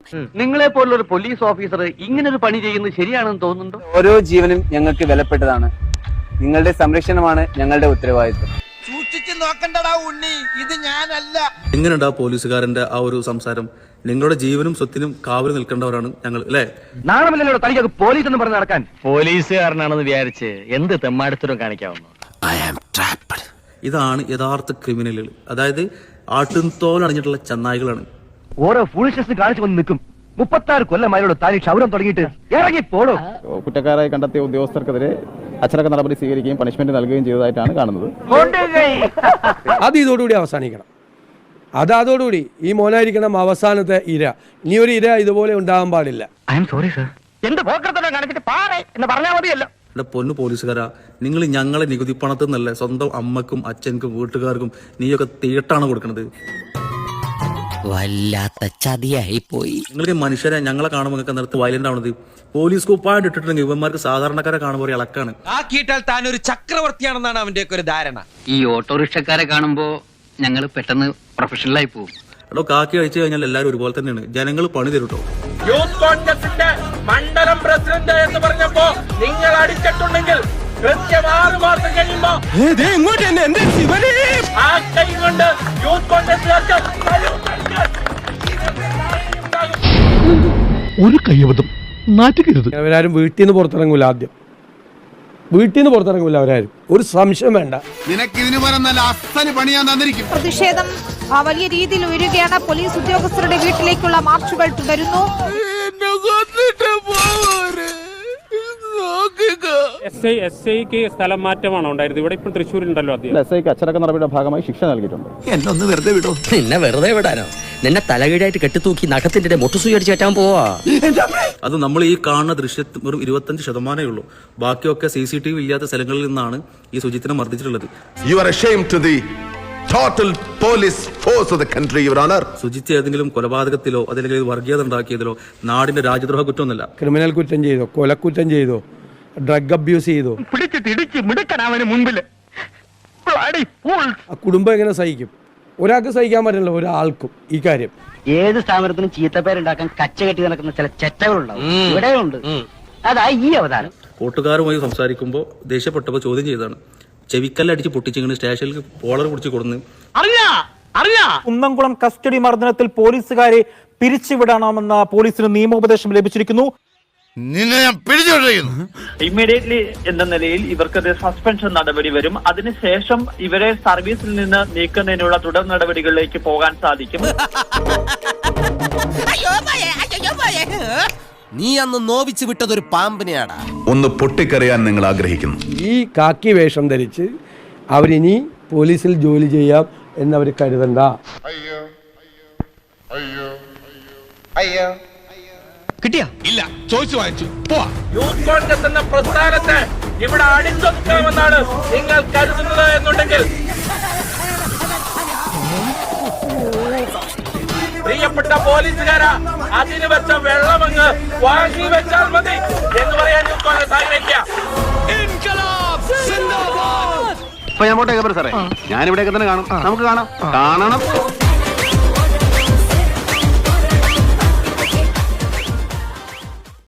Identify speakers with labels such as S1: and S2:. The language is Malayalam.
S1: നിങ്ങളെ പോലുള്ള ഒരു പോലീസ് ഓഫീസർ ഇങ്ങനെ ഒരു പണി ചെയ്യുന്നത് ശരിയാണെന്ന് തോന്നുന്നുണ്ടോ?
S2: ഓരോ ജീവനും ഞങ്ങൾക്ക് വിലപ്പെട്ടതാണ്. നിങ്ങളുടെ സംരക്ഷണമാണ് ഞങ്ങളുടെ ഉത്തരവാദിത്വം.
S3: സൂക്ഷിച്ചു നോക്കണ്ടടാ ഉണ്ണി, ഇത് ഞാനല്ല.
S4: എങ്ങനെയുണ്ട് ആ പോലീസുകാരന്റെ ആ ഒരു സംസാരം? നിങ്ങളുടെ ജീവനും സ്വത്തിനും കാവൽ നിൽക്കേണ്ടവരാണ് ഞങ്ങൾ, അല്ലേ?
S1: നാണമില്ലല്ലോ തനിക്കൊക്കെ പോലീസ് എന്ന് പറഞ്ഞ് നടക്കാൻ. പോലീസുകാരനാണെന്ന് വിചാരിച്ച് എന്ത് തെമ്മാടിത്തരം കാണിക്കാവുന്നു.
S4: ഇതാണ് യഥാർത്ഥ ക്രിമിനലുകൾ. അതായത് ആട്ടുംതോൽ അണിഞ്ഞിട്ടുള്ള ചന്നായികളാണ്.
S1: ഓരോ ഫൂളിഷ്നസ് കാണിച്ചു വന്ന് നിൽക്കും. 36 കൊല്ലമായോട് താലി ക്ഷൗരം തുടങ്ങിയിട്ട് ഇറങ്ങി പോടോ.
S5: കുറ്റക്കാരായി കണ്ടെത്തിയ ഉദ്യോഗസ്ഥർക്കെതിരെ അച്ചടക്ക നടപടി സ്വീകരിക്കുകയും പണിഷ്മെന്റ് നൽകുകയും ചെയ്തതായിട്ടാണ് കാണുന്നത്.
S6: അത് ഇതോടുകൂടി അവസാനിക്കണം. അതോടുകൂടി ഈ മോനായിരിക്കണം അവസാനത്തെ ഇര. ഇനി ഒരു ഇര ഇതുപോലെ ഉണ്ടാകാൻ പാടില്ല.
S1: I am sorry sir. എന്ത് പോക്കർത്തനം കാണിച്ചിട്ട് പാറേ എന്ന് പറഞ്ഞാൽ മതിയല്ലോ.
S4: പൊന്നു പോലീസുകാരാ, നിങ്ങൾ ഞങ്ങളെ നികുതി പണത്തിൽ നിന്നല്ലേ സ്വന്തം അമ്മക്കും അച്ഛനും വീട്ടുകാർക്കും നീയൊക്കെ തീട്ടാണ് കൊടുക്കുന്നത്.
S7: വല്ലാത്ത ചതിയായി പോയി.
S4: നിങ്ങൾക്ക് മനുഷ്യരെ ഞങ്ങളെ കാണുമ്പോൾ നിർത്തി വയലന്റ് ആവുന്നത്. പോലീസ് കുപ്പായിട്ട് ഇട്ടിട്ടുണ്ടെങ്കിൽ ഇവന്മാർക്ക് സാധാരണക്കാരെ കാണുമ്പോൾ ഇളക്കാണ്.
S3: ആക്കിയിട്ടാൽ താൻ ഒരു ചക്രവർത്തിയാണെന്നാണ് അവന്റെ ഒക്കെ ഒരു ധാരണ.
S8: ഈ ഓട്ടോറിക്ഷക്കാരെ കാണുമ്പോ ഞങ്ങൾ പെട്ടെന്ന് പ്രൊഫഷണലായി പോകും.
S4: എടോ, കാക്കി കഴിച്ചു കഴിഞ്ഞാൽ എല്ലാവരും ഒരുപോലെ തന്നെയാണ്. ജനങ്ങൾ പണി തരുട്ടോ.
S9: യൂത്ത് കോൺഗ്രസിന്റെ മണ്ഡലം പ്രസിഡന്റ് എന്ന് പറഞ്ഞപ്പോ നിങ്ങൾ അടിച്ചിട്ടുണ്ടെങ്കിൽ കൃത്യം 6 മാസം കഴിയുമ്പോ ആ കൈ കൊണ്ട് യൂത്ത് കോൺഗ്രസ്
S10: ഒരു കയ്യബദ്ധം നാറ്റുകരുത്.
S6: അവരാരും വീട്ടിൽ നിന്ന് പുറത്തിറങ്ങൂല. ആദ്യം വീട്ടിൽ നിന്ന് പുറത്തിറങ്ങൂല അവരാരും. ഒരു സംശയം വേണ്ട.
S11: പ്രതിഷേധം വലിയ രീതിയിൽ ഉയരുകയാണ്. പോലീസ് ഉദ്യോഗസ്ഥരുടെ വീട്ടിലേക്കുള്ള മാർച്ചുകൾ തുടരുന്നു.
S10: എസ് ഐക്ക് സ്ഥലം മാറ്റമാണോ ഉണ്ടായിരുന്നത്? ഇവിടെ ഇപ്പോൾ തൃശ്ശൂരുണ്ടല്ലോ.
S5: എസ് ഐക്ക് അച്ചടക്ക നടപടിയുടെ ഭാഗമായി ശിക്ഷ നൽകിയിട്ടുണ്ട്.
S7: എന്നൊന്ന് വെറുതെ വിടോ. നിന്നെ വെറുതെ വിടാനോ? നിന്നെ തലകീഴായിട്ട് കെട്ടിത്തൂക്കി നഖത്തിന്റെ മുട്ടുസൂചിച്ച് കയറ്റാൻ പോവാ.
S4: അത് നമ്മൾ ഈ കാണുന്ന ദൃശ്യത്തിൽ ഒരു 25% ഉള്ളൂ. ബാക്കിയൊക്കെ CCTV ഇല്ലാത്ത സ്ഥലങ്ങളിൽ നിന്നാണ് ഈ സുജിത്തിനെ മർദ്ദിച്ചിട്ടുള്ളത്. സുജിത്ത് ഏതെങ്കിലും കൊലപാതകത്തിലോ അതല്ലെങ്കിൽ വർഗീയത ഉണ്ടാക്കിയതിലോ നാടിന്റെ രാജ്യദ്രോഹ കുറ്റമൊന്നുമല്ല.
S6: ക്രിമിനൽ കുറ്റം ചെയ്തോ, കൊലക്കുറ്റം ചെയ്തോ, ഡ്രഗ് അബ്യൂസ് ചെയ്തോ,
S1: പിടിച്ചിട്ടിടിച്ച് മിടുക്കനാവന് മുമ്പില്
S6: ആ കുടുംബം എങ്ങനെ സഹിക്കും? ഒരാൾക്ക് സഹിക്കാൻ പറ്റില്ല, ഒരാൾക്കും ഈ കാര്യം.
S8: ഏത് സ്ഥാപനത്തിനും ചീത്തപ്പേരുണ്ടാക്കാൻ കച്ച കെട്ടി നടക്കുന്ന ചില ചെറ്റകളുണ്ടാവും. ഇവിടെയുണ്ട്. അതാ ഈ അവതാരം.
S4: കൂട്ടുകാരുമായി സംസാരിക്കുമ്പോൾ ദേഷ്യപ്പെട്ടപ്പോൾ ചോദ്യം ചെയ്തതാണ്. ചെവിക്കല്ലടിച്ച് പൊട്ടിച്ചിങ്ങനെ സ്റ്റേഷനിൽ പോളർ പിടിച്ച് കൊടുന്ന്
S9: കുന്നംകുളം കസ്റ്റഡി മർദ്ദനത്തിൽ പോലീസുകാരെ പിരിച്ചുവിടണമെന്ന പോലീസിന് നിയമോപദേശം ലഭിച്ചിരിക്കുന്നു. ഇമ്മീഡിയറ്റ്ലി എന്ന നിലയിൽ ഇവർക്കെതിരെ സസ്പെൻഷൻ നടപടി വരും. അതിനുശേഷം ഇവരെ സർവീസിൽ നിന്ന് നീക്കുന്നതിനുള്ള തുടർ നടപടികളിലേക്ക് പോകാൻ സാധിക്കും.
S7: നീ അന്ന് നോവിച്ചു വിട്ടതൊരു പാമ്പിനെയാടാ.
S12: ഒന്ന് പൊട്ടിക്കറിയാൻ നിങ്ങൾ ആഗ്രഹിക്കുന്നു.
S6: ഈ കാക്കി വേഷം ധരിച്ച് അവരിനി പോലീസിൽ ജോലി ചെയ്യാം എന്നവർ കരുതണ്ട.
S3: കിട്ടിയാ
S10: ഇല്ല, ചോദിച്ചു വാങ്ങിച്ചു പോവാ.
S9: യൂത്ത് കോൺഗ്രസ് എന്ന പ്രസ്ഥാനത്തെ ഇവിടെ അടിച്ചൊതുക്കാമെന്നാണ് നിങ്ങൾ കരുതുന്നത് എന്നുണ്ടെങ്കിൽ പ്രിയപ്പെട്ട പോലീസുകാരാ, അതിന് വെച്ച വെള്ളമങ്ങ് വാങ്ങി വെച്ചാൽ മതി എന്ന് പറയാൻ യൂത്ത് കോൺഗ്രസ് ആഗ്രഹിക്കുക.
S1: ഇപ്പൊ ഞാൻ പോട്ടെ സാറേ. ഞാനിവിടെയൊക്കെ തന്നെ കാണും. നമുക്ക് കാണാം.